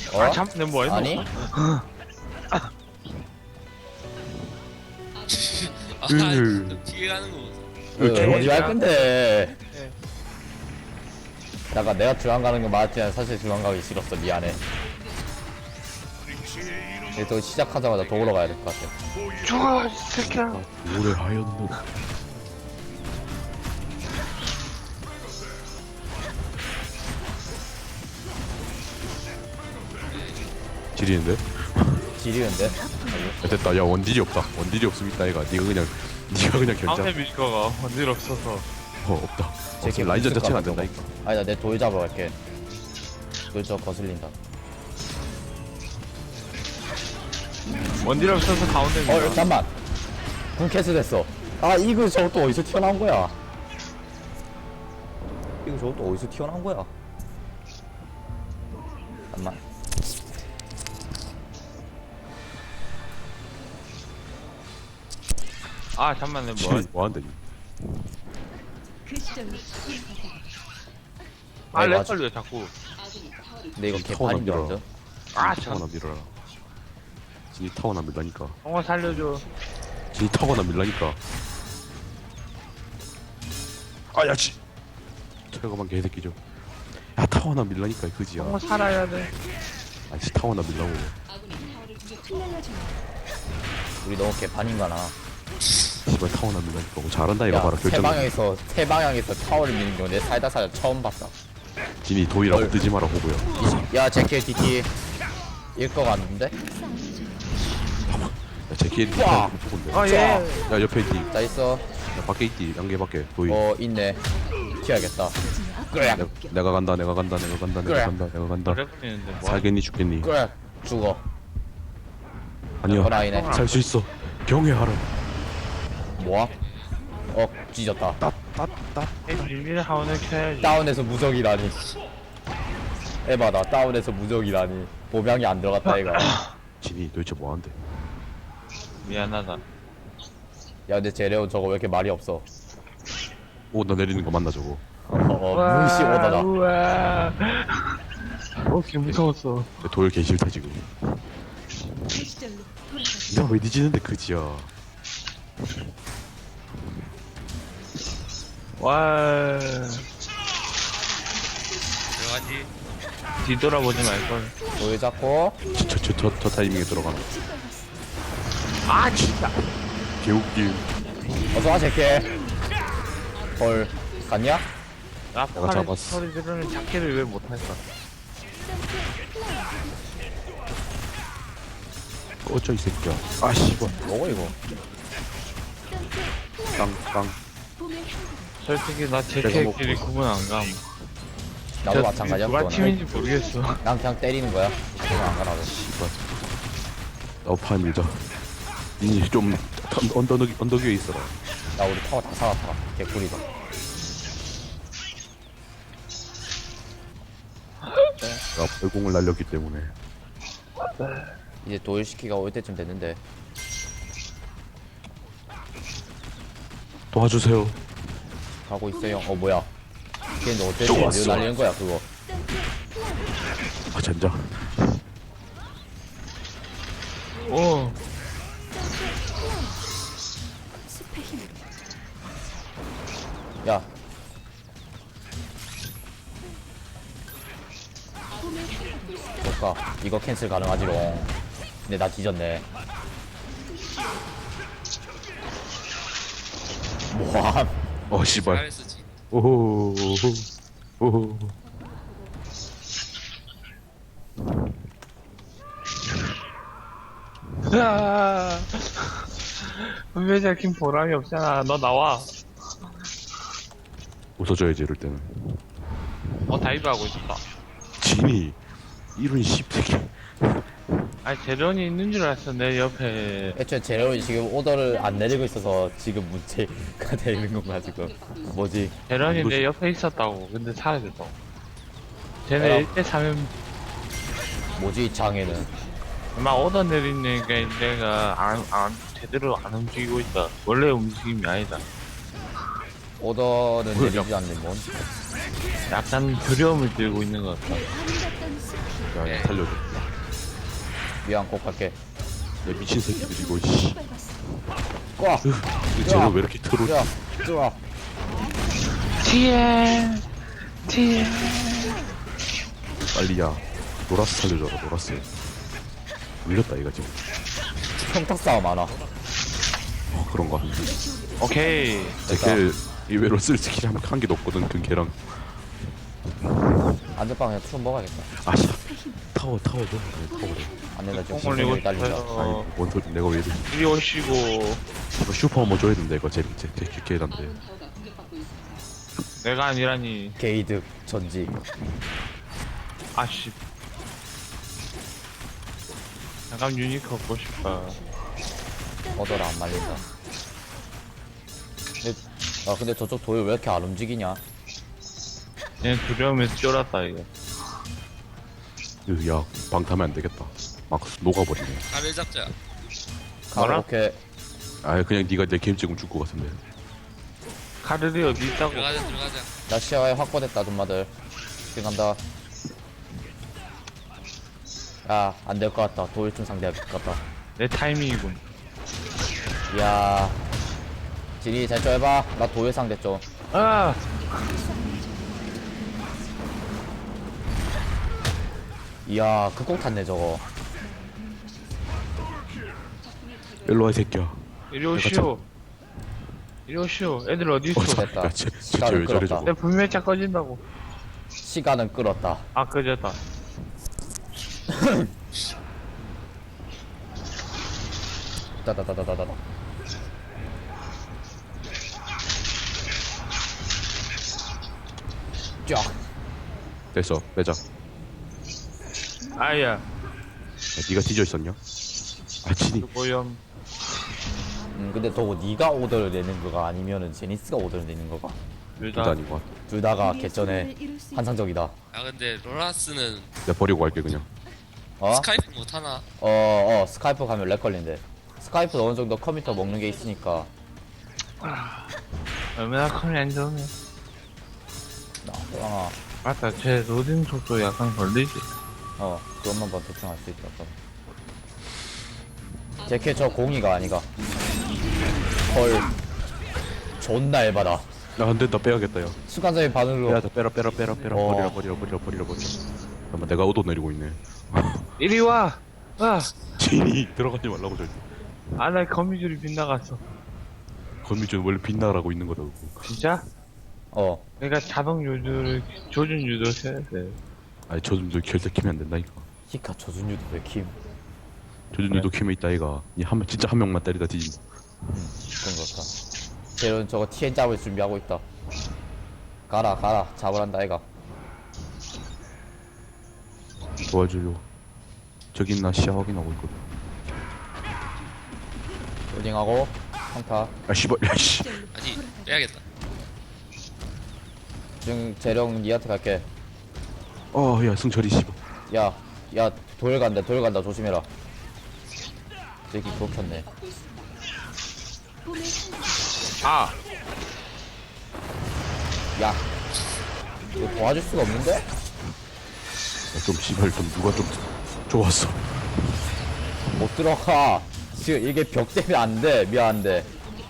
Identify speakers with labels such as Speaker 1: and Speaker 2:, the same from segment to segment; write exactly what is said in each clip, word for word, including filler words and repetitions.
Speaker 1: 어?
Speaker 2: 아, 참, 내가 뭐 했노?
Speaker 1: 아니?
Speaker 3: 아,
Speaker 4: 으.
Speaker 3: 좀 뒤에 가는 거 보소.
Speaker 1: 그,
Speaker 2: 오케이.
Speaker 1: 어디 갈 건데?
Speaker 2: 네.
Speaker 1: 약간 내가 중앙 가는 거 맞지만 사실 중앙 가기 싫었어. 미안해. 이제 또 시작하자마자 도우러 가야 될 것 같아.
Speaker 2: 죽어, 이 새끼야.
Speaker 4: 오래 하였노. 지리는데?
Speaker 1: 지리는데?
Speaker 4: 야, 됐다. 야, 원딜이 없다. 원딜이 없으면 있다, 얘가. 니가 그냥, 니가 그냥
Speaker 2: 가운데
Speaker 4: 결정.
Speaker 2: 밀거가 원딜 없어서.
Speaker 4: 어, 없다.
Speaker 1: 제
Speaker 4: 없어. 라인전 자체가 안 된다, 이거.
Speaker 1: 아니다, 내 돌 잡으러 갈게. 돌 저 거슬린다.
Speaker 2: 원딜 없어서 가운데 밀어.
Speaker 1: 어, 잠깐만. 군 캐스 됐어. 아, 이거 저거 또 어디서 튀어나온 거야? 이거 저거 또 어디서 튀어나온 거야? 잠깐만.
Speaker 2: 아, 잠만, 내가 뭐
Speaker 4: 지리,
Speaker 2: 했-
Speaker 4: 뭐한다, 니.
Speaker 2: 아,
Speaker 1: 네,
Speaker 2: 렉
Speaker 1: 맞아.
Speaker 2: 걸려, 자꾸.
Speaker 1: 근데 이거
Speaker 4: 타워나
Speaker 1: 개판인 줄
Speaker 4: 밀어라.
Speaker 1: 알죠?
Speaker 2: 아,
Speaker 4: 진이 타워나
Speaker 2: 참.
Speaker 4: 밀어라. 진이 타워나 밀라니까.
Speaker 2: 형아 살려줘.
Speaker 4: 진이 타워나 밀라니까. 아, 야, 지. 철거만 개새끼죠. 야, 타워나 밀라니까, 그지야.
Speaker 2: 형아 살아야 돼.
Speaker 4: 아이씨, 타워나 밀라고.
Speaker 1: 우리 너무 개판인가나.
Speaker 4: 씨발, 타워나 밀라니까. 뭐 잘한다, 이거
Speaker 1: 야,
Speaker 4: 봐라.
Speaker 1: 세
Speaker 4: 결정.
Speaker 1: 방향에서, 세 방향에서 타워를 미는 거 내 살다 살다 처음 봤다.
Speaker 4: 진이 도이라고
Speaker 1: 헐.
Speaker 4: 뜨지 마라, 호구야.
Speaker 1: 야, 제킬 디티. 일거 같는데?
Speaker 4: 야, 제키엘이
Speaker 1: 와.
Speaker 4: 호구인데.
Speaker 2: 아, 예.
Speaker 4: 야, 옆에 있디.
Speaker 1: 자, 있어.
Speaker 4: 야, 밖에 있디. 양계 밖에. 도이.
Speaker 1: 어, 있네. 튀어야겠다. 그래,
Speaker 4: 내가, 내가 간다, 내가 간다, 내가 간다,
Speaker 1: 그래.
Speaker 4: 내가 간다, 내가 간다.
Speaker 2: 오래 걸리는데, 뭐.
Speaker 4: 살겠니, 죽겠니?
Speaker 1: 그래. 죽어.
Speaker 4: 아니요.
Speaker 1: 호라이네.
Speaker 4: 살 수 있어. 경외하라.
Speaker 1: 뭐야? 어, 찢었다.
Speaker 2: 비밀 하원을 켜야지.
Speaker 1: 다운에서 무적이라니. 에바다. 다운에서 무적이라니. 보명이 안 들어갔다, 이거.
Speaker 4: 진이 도대체 뭐한대?
Speaker 2: 미안하다.
Speaker 1: 야, 근데 제레온 저거 왜 이렇게 말이 없어?
Speaker 4: 오, 나 내리는 거 맞나, 저거?
Speaker 1: 어, 어 무시 오더라.
Speaker 2: 우와. 어, 개 무서웠어.
Speaker 4: 돌 개 싫다, 지금. 내가 왜 뒤지는데, 그지야.
Speaker 2: 와.
Speaker 3: 들어가지.
Speaker 2: 뒤돌아보지 말걸.
Speaker 1: 돌 잡고.
Speaker 4: 저, 저, 저, 저, 저 타이밍에 들어가면.
Speaker 2: 아, 진짜.
Speaker 4: 개웃김.
Speaker 1: 어서와, 제킬. 헐. 갔냐?
Speaker 2: 나
Speaker 4: 내가
Speaker 2: 팔에
Speaker 4: 잡았어.
Speaker 2: 소리 지르는 자켓을 왜 못할까?
Speaker 4: 꺼져, 이 새끼야. 아, 씨발.
Speaker 1: 뭐고, 이거?
Speaker 4: 땅, 땅.
Speaker 2: 솔직히 나
Speaker 4: 내가 먹고
Speaker 2: 제캐끼리
Speaker 4: 있어.
Speaker 2: 구분 안 감.
Speaker 1: 나도 마찬가지야,
Speaker 2: 누가
Speaker 1: 그거는.
Speaker 2: 팀인지 모르겠어.
Speaker 1: 난 그냥 때리는 거야. 그냥 안 가라고.
Speaker 4: 씨발. 나우파 밀자. 니 좀, 턴- 언덕, 언덕 위에 있어라.
Speaker 1: 나 우리 타워 다 살았다. 개꿀이다.
Speaker 4: 나 벌공을 날렸기 때문에.
Speaker 1: 이제 도일 시키가 올 때쯤 됐는데.
Speaker 4: 도와주세요.
Speaker 1: 가고 있어요. 어, 뭐야. 걔는 어때?
Speaker 4: 좋았어.
Speaker 1: 이거 날리는 거야, 그거.
Speaker 4: 아, 젠장.
Speaker 2: 오.
Speaker 1: 야. 볼까? 이거 캔슬 가능하지롱. 근데 나 뒤졌네. 뭐함?
Speaker 4: 어, 씨발.
Speaker 3: 잘했어, 진.
Speaker 4: 오호, 오호.
Speaker 2: 아. 분명히 잡힌 보람이 없잖아. 너 나와.
Speaker 4: 웃어줘야지, 이럴 때는.
Speaker 2: 어, 다이브 하고 있었다.
Speaker 4: 진이, 이런 씹새끼.
Speaker 2: 아니, 재련이 있는 줄 알았어, 내 옆에.
Speaker 1: 애초에 제레온이 지금 오더를 안 내리고 있어서 지금 문제가 되는 건가, 지금. 뭐지?
Speaker 2: 재련이
Speaker 4: 뭐지?
Speaker 2: 내 옆에 있었다고. 근데 사라졌다고. 쟤네
Speaker 1: 에라.
Speaker 2: 일 대 삼이면
Speaker 1: 뭐지, 이 장애는.
Speaker 2: 막 오더 내리니까 내가 안, 안, 제대로 안 움직이고 있다. 원래 움직임이 아니다.
Speaker 1: 오더는
Speaker 4: 뭐야,
Speaker 1: 내리지 않는 뭔?
Speaker 2: 약간 두려움을 들고 있는 것 같다.
Speaker 4: 야,
Speaker 3: 네.
Speaker 4: 야 살려줘.
Speaker 1: 미안 꼭 갈게.
Speaker 4: 야 미친 새끼들 이거 씨.
Speaker 1: 꽉!
Speaker 4: 으, 쟤는 왜 이렇게 트롤?
Speaker 1: 야! 좋아!
Speaker 2: 티엔 티엔
Speaker 4: 빨리야. 노라스 살려줘라 노라스. 밀렸다 이거 지금.
Speaker 1: 평탁 싸움 많아.
Speaker 4: 어, 그런가.
Speaker 2: 오케이.
Speaker 4: 제걔 의외로 쓸 스킬이 한, 한 개도 없거든 그 걔랑.
Speaker 1: 안전빵 그냥 투 먹어야겠다.
Speaker 4: 아씨. 타워 타워 줘. 네, 타워 줘.
Speaker 1: 안 된다 지금
Speaker 2: 콩 올리고
Speaker 1: 심장이 딸린다.
Speaker 2: 싶어요.
Speaker 4: 아니 뭔 소리 내가 왜 이래.
Speaker 2: 이리 오시고.
Speaker 4: 이거 슈퍼 한번 줘야 된다 이거 제제제 걔단데.
Speaker 2: 내가 아니라니.
Speaker 1: 게이득 전지.
Speaker 2: 아씨. 잠깐 유니크 얻고 싶다.
Speaker 1: 얻어라 안 말린다. 근데, 아 근데 저쪽 도일 왜 이렇게 안 움직이냐?
Speaker 2: 얘 두려움에서 쫄았다 이거.
Speaker 4: 야 방타면 안 되겠다. 막 녹아버리네.
Speaker 3: 알을 잡자.
Speaker 2: 뭐라?
Speaker 1: 가로케
Speaker 4: 아 그냥 네가 내 게임 찍으면 죽을 것 같은데.
Speaker 2: 카드리 어디 있다고?
Speaker 3: 들어가자 들어가자.
Speaker 1: 나 시야에 확보됐다 dum마들. 지금 간다. 야 안될 것 같다. 도일충 상대할 것 같다.
Speaker 2: 내 타이밍이군.
Speaker 1: 이야 진이 잘 좀 해봐. 나 도일 상대 좀.
Speaker 2: 아!
Speaker 1: 이야 극공 탔네 저거.
Speaker 4: 일로 와 이 새끼야.
Speaker 2: 이리 오시오. 이리 오시오. 애들 어디 있어?
Speaker 1: 됐다.
Speaker 4: 야, 쟤, 쟤,
Speaker 1: 시간을
Speaker 4: 쟤왜 저래
Speaker 1: 끌었다.
Speaker 4: 저거.
Speaker 2: 내 분명히 차 꺼진다고.
Speaker 1: 시간은 끌었다.
Speaker 2: 아, 꺼졌다.
Speaker 1: 따다다다다다. 쫙.
Speaker 4: 됐어 빼자. 야,
Speaker 2: 아야.
Speaker 4: 네가 뒤져 있었냐? 아 진이.
Speaker 2: 오염.
Speaker 1: 음 근데 저거 네가 오더를 내는 거가 아니면은 제니스가 오더를 내는 거가?
Speaker 2: 둘
Speaker 4: 둘다
Speaker 2: 다.
Speaker 4: 아닌 것 같아.
Speaker 1: 둘 다가 개전에 환상적이다.
Speaker 3: 아 근데 로라스는
Speaker 4: 내가 버리고 갈게 그냥.
Speaker 1: 어?
Speaker 3: 스카이프 못 하나?
Speaker 1: 어, 어, 스카이프 가면 렉 걸린대. 스카이프 어느 정도 컴퓨터 먹는 게 있으니까.
Speaker 2: 얼마나 컴이 안 좋네.
Speaker 1: 나, 아,
Speaker 2: 맞다. 제 로딩 속도 약간 걸리지.
Speaker 1: 어, 그것만 봐 대충 알 수 있다. 제캐 저 공이가 아니가. 헐. 존나 에바다.
Speaker 4: 나 안된다 빼야겠다 야.
Speaker 1: 순간적인 반응으로.
Speaker 4: 빼야다 빼라 빼라 빼라 빼라
Speaker 1: 어.
Speaker 4: 버리라 버리라 버리라 버리라 버리라. 잠깐만 내가 오도 내리고 있네.
Speaker 2: 이리 와! 아!
Speaker 4: 진이 들어가지 말라고 절대.
Speaker 2: 아, 나 거미줄이 빗나갔어.
Speaker 4: 건미준 원래 빛나라고 있는 거다 그거.
Speaker 2: 진짜?
Speaker 1: 어,
Speaker 2: 내가 자동 유도를, 조준 유도를 해야 돼.
Speaker 4: 아니 저준도 결제 키면 안 된다니까.
Speaker 1: 히카 조준유도 왜 킴?
Speaker 4: 저준도 키면 있다 이가. 이한 진짜 한 명만 때리다 뒤진다.
Speaker 1: 그런 거 같다. 쟤는 저거 티엔 잡을 준비하고 있다. 가라, 가라. 잡으란다, 애가.
Speaker 4: 도와줘요. 저기 있나 시야 확인하고 있거든.
Speaker 1: 로딩하고, 평타.
Speaker 4: 아 씨발 야씨.
Speaker 3: 아니 빼야겠다.
Speaker 1: 지금 재령 니한테 갈게.
Speaker 4: 어야 승철이 씨발.
Speaker 1: 야, 야, 도일 간다, 도일 간다, 조심해라. 저기 그거 켰네.
Speaker 2: 아!
Speaker 1: 야, 이거 도와줄 수가 없는데?
Speaker 4: 야, 좀 씨발 좀 누가 좀 좋았어.
Speaker 1: 못 들어가. 지금 이게 벽 때문에 안 돼. 미안한데.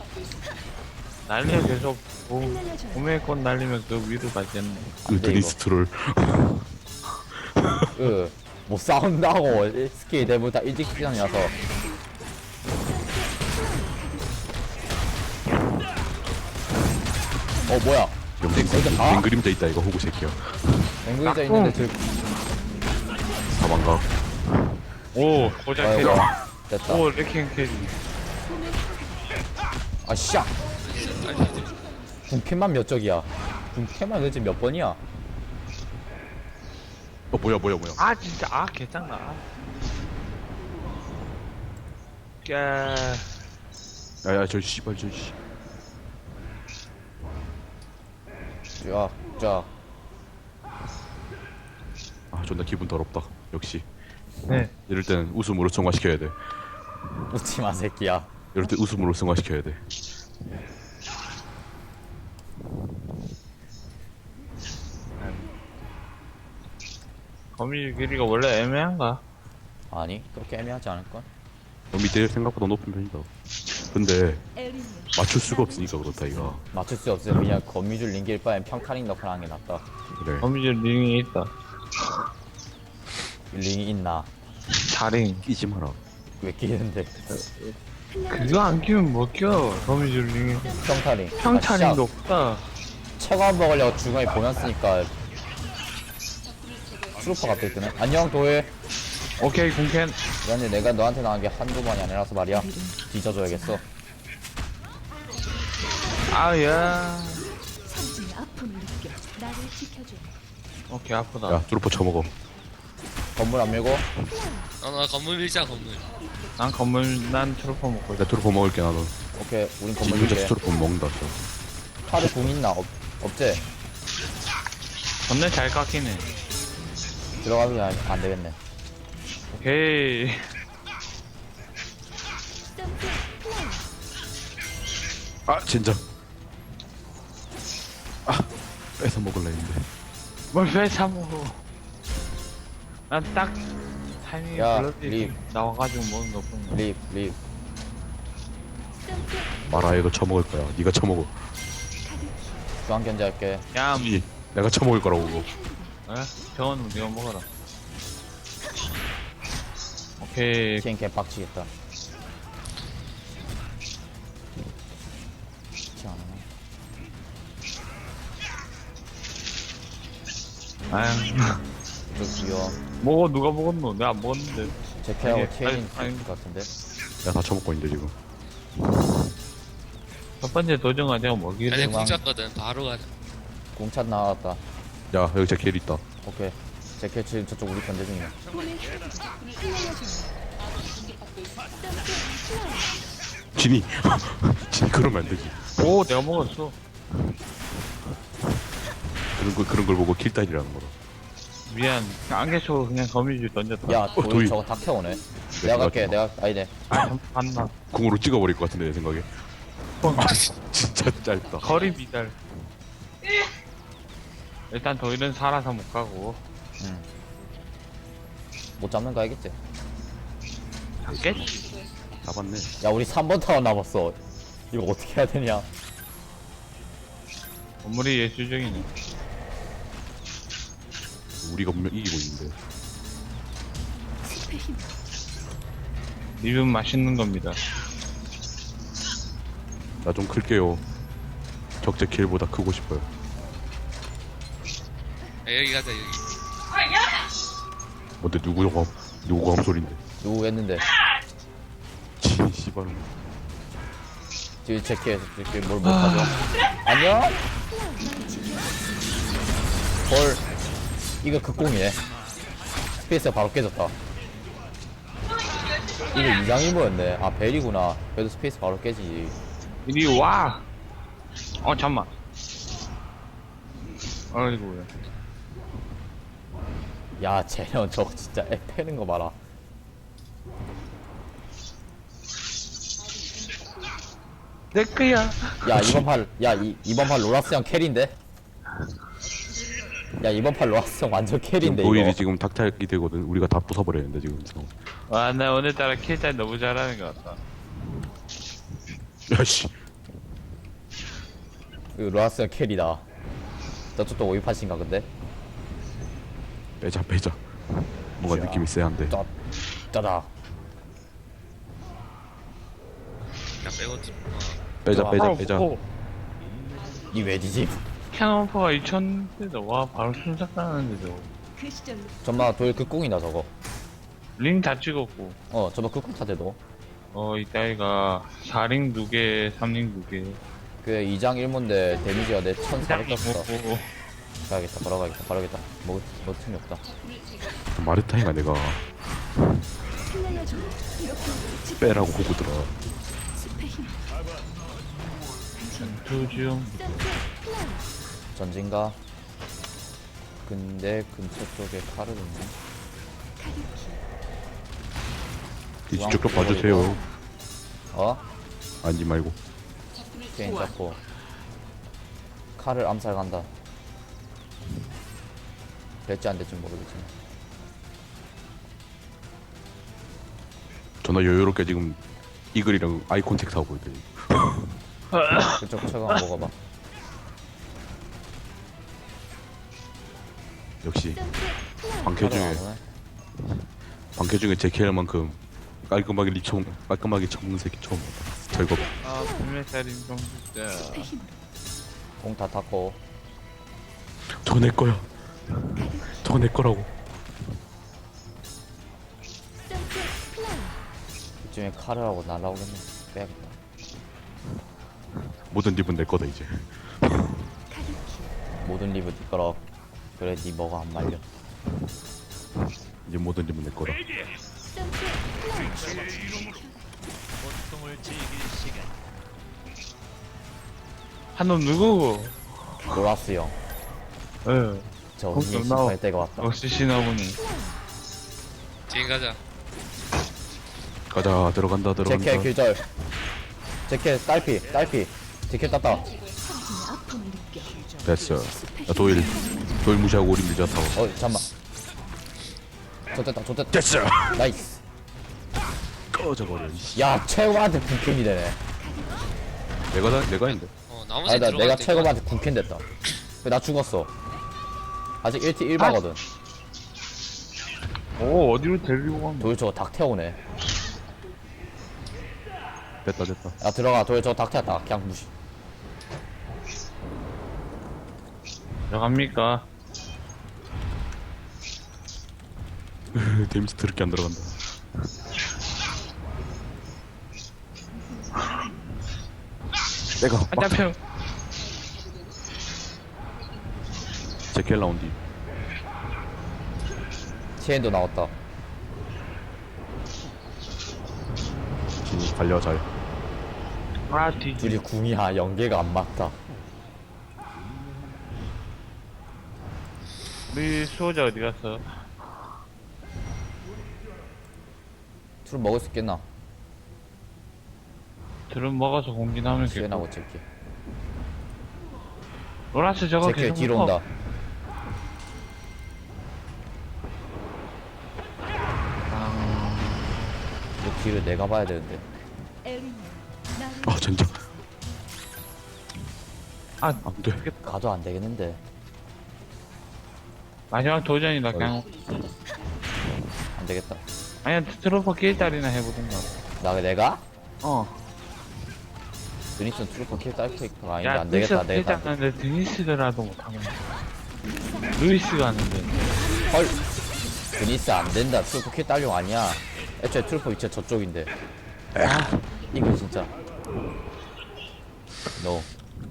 Speaker 2: 난리가 계속, 보, 봄의 꽃 날리면 그 위로 가겠네.
Speaker 4: 그
Speaker 1: 돼,
Speaker 4: 드니스 트롤.
Speaker 1: 그, 못 싸운다고. 스킬 대부분 다 일찍 시간이라서. 어, 뭐야.
Speaker 4: 영생
Speaker 1: 거기다 가?
Speaker 4: 맹 그림자 있다 이거 호구 새끼야.
Speaker 1: 맹글자 있는데 들,
Speaker 4: 사망각.
Speaker 2: 오, 고작
Speaker 1: 아이고.
Speaker 2: 캐리.
Speaker 1: 됐다.
Speaker 2: 오, 레킹 캐리.
Speaker 1: 아, 씨야. 군캔만 몇 적이야? 군캔만 도대체 몇 번이야?
Speaker 4: 어 뭐야 뭐야 뭐야.
Speaker 2: 아, 진짜, 아, 개짱나. 야,
Speaker 4: 야야 저 씨발 저 씨.
Speaker 1: 자, 자.
Speaker 4: 아 존나 기분 더럽다. 역시.
Speaker 2: 네.
Speaker 4: 이럴 때는 웃음으로 승화시켜야 돼.
Speaker 1: 웃지 마, 새끼야.
Speaker 4: 이럴 때 웃음으로 승화시켜야 돼.
Speaker 2: 거미 길이가 원래 애매한가?
Speaker 1: 아니 그렇게 애매하지 않을걸?
Speaker 4: 밑에 생각보다 높은 편이다. 근데 맞출 수가 없으니까 그렇다 이가.
Speaker 1: 맞출 수 없으면 그냥 거미줄 링길 바엔 평타링 넣고 하는 게 낫다.
Speaker 4: 그래.
Speaker 2: 거미줄 링이 있다.
Speaker 1: 링이 있나?
Speaker 2: 자링.
Speaker 4: 끼지 마라.
Speaker 1: 왜 끼는데?
Speaker 2: 그거 안 끼면 못 껴. 거미줄 링이.
Speaker 1: 평타링.
Speaker 2: 평타링도 없다.
Speaker 1: 체감 먹으려고 중간에 보면 쓰니까 트루퍼가 또 뜨네. 안녕 도일.
Speaker 2: 오케이, 공캔.
Speaker 1: 미안해 내가 너한테 나간 게 한두 번이 아니라서 말이야. 뒤져줘야겠어.
Speaker 2: 아야.
Speaker 5: 삼진의 아픔을 느껴 나를 지켜줘.
Speaker 2: 오케이, 아프다.
Speaker 4: 야 트루퍼 쳐먹어.
Speaker 1: 건물 안 밀고.
Speaker 3: 어나 건물 밀자 건물.
Speaker 2: 난 건물, 난 트루퍼 먹고 있다.
Speaker 4: 나 트루퍼 먹을게 나는.
Speaker 1: 오케이 우린 건물
Speaker 4: 지금
Speaker 1: 밀게.
Speaker 4: 저 트루퍼 먹는다. 저.
Speaker 1: 팔에 궁 있나? 없, 없지?
Speaker 2: 건네 잘 깎이네.
Speaker 1: 들어가면 안, 안 되겠네.
Speaker 2: 오케이.
Speaker 4: 아 진짜. 아 뺏어 먹을라 했는데.
Speaker 2: 뭘 뺏어 먹어. 난 딱 타이밍이
Speaker 1: 야,
Speaker 2: 블러드
Speaker 1: 립.
Speaker 2: 나와가지고 먹은 것 뿐이야.
Speaker 1: 립, 립.
Speaker 4: 마라 이거 쳐먹을 거야. 네가 쳐먹어.
Speaker 1: 중앙 견제할게.
Speaker 2: 야,
Speaker 4: 이 내가 쳐먹을 거라고 그거.
Speaker 2: 어? 병원은 네가 먹어라. 오케이.
Speaker 1: 티엔 개빡치겠다. 그렇지 않아.
Speaker 2: 아유.
Speaker 1: 좀 귀여워.
Speaker 2: 먹어, 누가 먹었노? 내가 안 먹었는데.
Speaker 1: 제캐하고
Speaker 2: 아니,
Speaker 1: 티엔인
Speaker 2: 아니, 아니.
Speaker 1: 것 같은데.
Speaker 4: 내가 다 쳐먹고 있는데 지금.
Speaker 2: 첫 번째 도전가 내가 먹이래.
Speaker 3: 아니
Speaker 1: 중앙.
Speaker 3: 궁잡거든 바로 가자.
Speaker 1: 공찬 나왔다.
Speaker 4: 야 여기 제 길 있다.
Speaker 1: 오케이. 제캐 지금 저쪽 우리 견제 중이야.
Speaker 4: 진이. 진이 그러면 안 되지.
Speaker 2: 오, 내가 먹었어.
Speaker 4: 그런 걸 그런 걸 보고 킬다이라는 거라.
Speaker 2: 미안. 안개초 그냥 거미줄 던졌다.
Speaker 1: 야,
Speaker 4: 어,
Speaker 1: 도일
Speaker 4: 도일.
Speaker 1: 저거 다 켜오네.
Speaker 4: 네,
Speaker 1: 내가 갈게,
Speaker 4: 맞다.
Speaker 1: 내가, 아니네.
Speaker 2: 아, 봤나?
Speaker 4: 궁으로 찍어버릴 것 같은데 내 생각에. 진짜 짧다.
Speaker 2: 거리 미달. 일단 도일은 살아서 못 가고.
Speaker 1: 응. 못 잡는 거 알겠지?
Speaker 2: 잡겠지.
Speaker 4: 잡았네.
Speaker 1: 야, 우리 삼 번 타워 남았어. 이거 어떻게 해야 되냐?
Speaker 2: 건물이 예술적이네.
Speaker 4: 우리가 분명 이기고 있는데.
Speaker 5: 숲의 힘
Speaker 2: 립은 맛있는 겁니다.
Speaker 4: 나 좀 클게요. 적재 킬보다 크고 싶어요.
Speaker 3: 야, 여기 가자 여기.
Speaker 4: 뭔데 누구 가 누구 가 소린데?
Speaker 1: 누구 했는데?
Speaker 4: 진 씨발.
Speaker 1: 지금 제캐에서 이렇게 뭘 못하죠? 안녕? 헐. 이거 극공이네. 스페이스가 바로 깨졌다. 이거 이장이 뭐였네. 아, 벨이구나. 그래도 스페이스 바로 깨지지.
Speaker 2: 이리 와! 어, 잠만. 어이구야.
Speaker 1: 야, 쟤는 저거 진짜 애 패는 거 봐라.
Speaker 2: 내 거야.
Speaker 1: 야, 이번 팔, 야, 이, 이번 팔 로라스 형 캐리인데? 야, 이번 팔 로라스 형 완전 캐리인데,
Speaker 4: 노일이
Speaker 1: 이거.
Speaker 4: 지금 닥탈이 되거든. 우리가 다 부숴버렸는데 지금.
Speaker 2: 와, 나 오늘따라 킬잘 너무 잘하는 것 같다.
Speaker 4: 야씨.
Speaker 1: 그 로라스 형 캐리다. 저쪽도 오이팟인가, 근데?
Speaker 4: 빼자 빼자. 뭔가
Speaker 1: 자.
Speaker 4: 느낌이 쎄한데.
Speaker 1: 짜, 짜다.
Speaker 3: 야 빼고 좀. 어.
Speaker 4: 빼자
Speaker 1: 와.
Speaker 4: 빼자 빼자.
Speaker 2: 오,
Speaker 1: 이 왜지지?
Speaker 2: 캐논퍼가 이천대도 와, 바로 순삭 가는데도.
Speaker 5: 그 시절로
Speaker 1: 전마 도일 극공이다, 저거.
Speaker 2: 링 다 찍었고.
Speaker 1: 어, 저거 극공 타대도.
Speaker 2: 어, 이따위가 사 링 두 개, 삼 링 두 개.
Speaker 1: 그 이 장 일 모인데 데미지가 내 천사백 떴어.
Speaker 2: 오,
Speaker 1: 가야겠다, 걸어가겠다, 걸어가겠다. 뭐, 뭐 틈이 없다.
Speaker 4: 마르타이가 내가
Speaker 5: 흩날려줘. 이렇게 집
Speaker 4: 빼라고 호구더라.
Speaker 5: 숲의 힘
Speaker 2: 투중.
Speaker 1: 전진가? 근데 근처 쪽에 칼을 있네.
Speaker 4: 뒤쪽 좀 봐주세요.
Speaker 1: 어?
Speaker 4: 앉지 말고.
Speaker 1: 게임 잡고. 칼을 암살 간다. 될지 안 될지 모르겠지만.
Speaker 4: 존나 여유롭게 지금 이글이랑 아이 콘택트 하고 있더니
Speaker 1: 그쪽 최강 먹어봐.
Speaker 4: 역시 방캐
Speaker 1: 하루
Speaker 4: 중에
Speaker 1: 안 오네.
Speaker 4: 방캐 중에 제키엘만큼 깔끔하게 리총 깔끔하게 쳐먹는 새끼 처음 봤다. 절겁.
Speaker 2: 아 분명살인 좀 진짜.
Speaker 5: 숲의 힘으로
Speaker 1: 공 다 탔고.
Speaker 4: 저거 내 거야. 저거 내 거라고.
Speaker 5: 선셋 플라워
Speaker 1: 이쯤에 카르하고 날라오겠네. 빼야겠다.
Speaker 4: 모든 립은 내 거다 이제.
Speaker 5: 가득히
Speaker 1: 모든 리브 네 거라. 그래 네 뭐가 안 말려.
Speaker 4: 이제 모든 립은 내 거다.
Speaker 5: 선셋 플라워
Speaker 2: 한놈 누구고?
Speaker 1: 노라스 형.
Speaker 2: 예.
Speaker 1: 저
Speaker 2: 공
Speaker 1: 언니
Speaker 2: 좀 나와.
Speaker 1: 심판의 때가 왔다.
Speaker 2: 역시 신하보니.
Speaker 3: 지금 가자.
Speaker 4: 가자 들어간다 들어간다.
Speaker 1: 제켓 규절. 제켓 딸피 딸피. 제켓 땄다.
Speaker 5: 당신의 아픔을 느껴
Speaker 4: 됐어. 야, 도일 도일 무시하고 우리 밀자 타워.
Speaker 1: 어 잠만. 좋됐다 좋됐다.
Speaker 4: 됐어.
Speaker 1: 나이스.
Speaker 4: 꺼져버려. 이씨.
Speaker 1: 야 최고한테 군캔이 되네.
Speaker 4: 내가 다 내가 했는데.
Speaker 3: 어 나머지
Speaker 1: 아니다
Speaker 3: 들어갈
Speaker 1: 내가
Speaker 3: 때
Speaker 1: 최고한테 군캔 됐다. 나 죽었어. 아직 일 티 일 바거든.
Speaker 2: 오 어디로 데리고 간 거야?
Speaker 1: 도일 저거 닭 태우네.
Speaker 4: 됐다 됐다.
Speaker 1: 야 들어가 도일 저거 닭 태웠다. 그냥 무시.
Speaker 2: 들어갑니까?
Speaker 4: 데미지 더럽게 안 들어간다. 내가
Speaker 2: 아
Speaker 4: 막
Speaker 2: 잡혀.
Speaker 4: 제켈 라운디.
Speaker 1: 티엔도 나왔다.
Speaker 4: 진이 달려 잘.
Speaker 2: 아 뒤.
Speaker 1: 둘이 궁이야 연계가 안 맞다.
Speaker 2: 우리 수호자 어디 갔어?
Speaker 1: 술 먹을 수 있겠나?
Speaker 2: 들은 먹어서 공진하면 겠고.
Speaker 1: 시엔하고 제키.
Speaker 2: 로라스 저거
Speaker 1: 제키
Speaker 2: 계속
Speaker 1: 뒤로
Speaker 2: 먹어.
Speaker 1: 온다. 이 뒤를 내가 봐야 되는데.
Speaker 5: 에린 나를
Speaker 4: 아 진짜
Speaker 2: 아
Speaker 4: 안 돼.
Speaker 1: 가도 안 되겠는데.
Speaker 2: 마지막 도전이다 그냥.
Speaker 1: 안 되겠다.
Speaker 2: 아니야 트로퍼 킬달이나 해보든가.
Speaker 1: 나 내가?
Speaker 2: 어.
Speaker 1: 드니슨 트루퍼 킬 딸케이크가 아닌데
Speaker 2: 야
Speaker 1: 안 되겠다. 안 되겠다. 안 되겠다.
Speaker 2: 하는데 드니스라도 못하면. 루이스가 하는데.
Speaker 1: 헐. 드니스 안 된다. 트루퍼 킬 딸용 아니야. 애초에 트루퍼 위치가 저쪽인데. 아 이거 진짜. 노.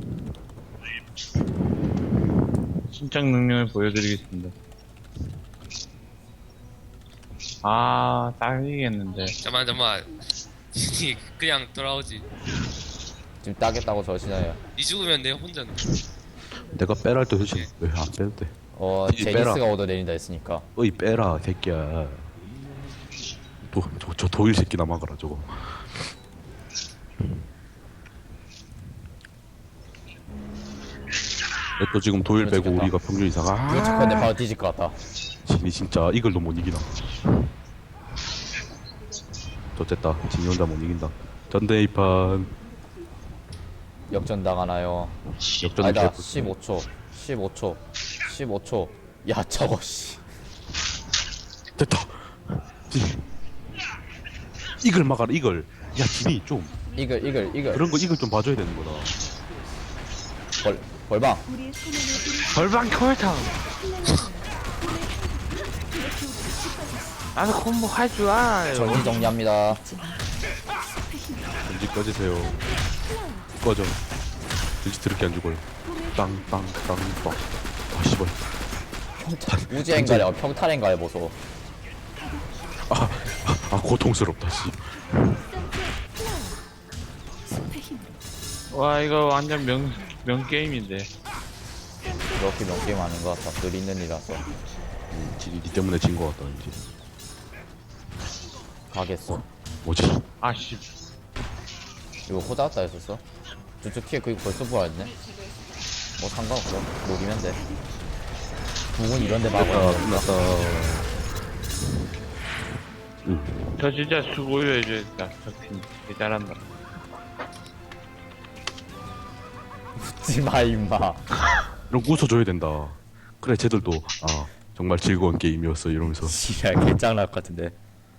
Speaker 2: 신적 능력을 보여드리겠습니다. 아, 딱이겠는데.
Speaker 3: 잠만 잠만. 그냥 돌아오지.
Speaker 1: 지금 따겠다고 저시나요?
Speaker 3: 이 죽으면 내 혼자.
Speaker 4: 내가 빼라 할 때 도대체 왜 안 빼도 돼?
Speaker 1: 어
Speaker 4: 이제 빼라.
Speaker 1: 제니스가 얻어 내린다 했으니까.
Speaker 4: 어이 빼라 새끼야. 도, 저, 저 도일 새끼 남아가라 저거. 또 지금 도일 빼고
Speaker 1: 그렇겠다.
Speaker 4: 우리가 평균 이상아.
Speaker 1: 이거 착한데 바로 뒤질 것 같다.
Speaker 4: 진이 진짜 이걸로 못 이기나. 좋됐다. 진이 혼자 못 이긴다. 전대 이판
Speaker 1: 역전 당하나요?
Speaker 4: 역전
Speaker 1: 아니다. 십오 초. 십오 초. 십오 초. 야 저거 씨.
Speaker 4: 됐다. 진. 이걸 막아라 이걸. 야 진이 좀
Speaker 1: 이글 이글 이글.
Speaker 4: 그런 거 이걸 좀 봐줘야 되는 거다.
Speaker 1: 벌 벌방.
Speaker 5: 우리의 소명을
Speaker 2: 벌방 콜탕!
Speaker 5: 플레이어는
Speaker 2: 나는 콤보 할 줄 알아요.
Speaker 1: 정리 정리합니다.
Speaker 4: 전지 꺼지세요. 꺼져. 전지 드럽게 안 죽어요. 땅땅땅땅. 아 씨발.
Speaker 1: 우주행가래 어, 평탈행가래 보소.
Speaker 4: 아, 아, 아 고통스럽다 씨.
Speaker 5: 숲의 힘으로
Speaker 2: 와, 이거 완전 명, 명게임인데.
Speaker 1: 그렇게 몇 게임 하는 것 같아. 늘 있는 일이라서.
Speaker 4: 음, 진이 니 때문에 진 거 같다 이제.
Speaker 1: 가겠어.
Speaker 4: 뭐지?
Speaker 2: 아씨.
Speaker 1: 이거 호자 왔다 했었어? 저쪽 티에 그거 벌써 부활했네? 뭐 상관없어. 녹이면 돼. 북은 이런데
Speaker 4: 끝났다
Speaker 1: 막아.
Speaker 4: 끝났다. 응.
Speaker 2: 저 진짜 수고해줘야겠다. 저팀 되게 잘한다.
Speaker 1: 웃지마 임마.
Speaker 4: 이런 거 웃어줘야 된다. 그래 쟤들도 아 정말 즐거운 게임이었어 이러면서.
Speaker 1: 지랄 개짱날 것 같은데.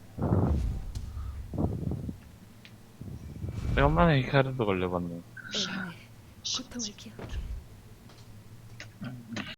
Speaker 2: 오랜만에 히카르도 걸려봤네.
Speaker 5: 애매해. 고통을 기억해.